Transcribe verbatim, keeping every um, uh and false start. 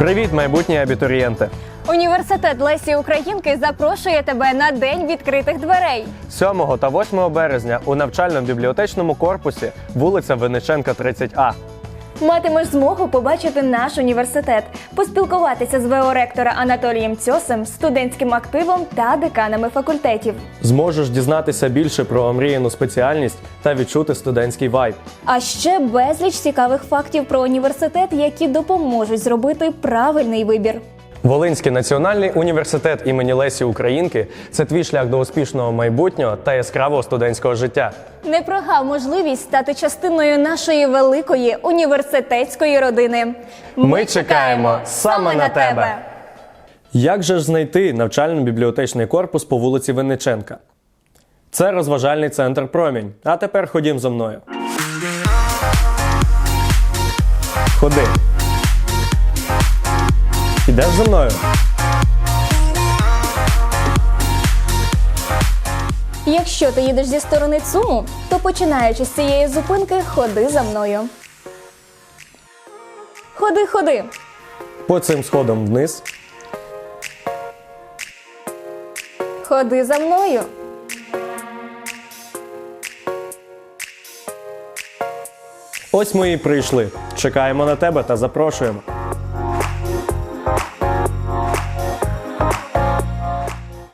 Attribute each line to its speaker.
Speaker 1: Привіт, майбутні абітурієнти!
Speaker 2: Університет Лесі Українки запрошує тебе на День відкритих дверей.
Speaker 1: сьомого та восьмого березня у навчально-бібліотечному корпусі вулиця Винниченка, тридцять А.
Speaker 2: Матимеш змогу побачити наш університет, поспілкуватися з ВО-ректора Анатолієм Цьосем, студентським активом та деканами факультетів.
Speaker 1: Зможеш дізнатися більше про омріяну спеціальність та відчути студентський вайб.
Speaker 2: А ще безліч цікавих фактів про університет, які допоможуть зробити правильний вибір.
Speaker 1: Волинський національний університет імені Лесі Українки – це твій шлях до успішного майбутнього та яскравого студентського життя.
Speaker 2: Не прогав можливість стати частиною нашої великої університетської родини.
Speaker 1: Ми чекаємо саме на тебе! Як же ж знайти навчально-бібліотечний корпус по вулиці Винниченка? Це розважальний центр «Промінь». А тепер ходім за мною. Ходи. Ідеш за мною?
Speaker 2: Якщо ти їдеш зі сторони ЦУМу, то починаючи з цієї зупинки, ходи за мною. Ходи, ходи.
Speaker 1: По цим сходам вниз.
Speaker 2: Ходи за мною.
Speaker 1: Ось ми і прийшли. Чекаємо на тебе та запрошуємо.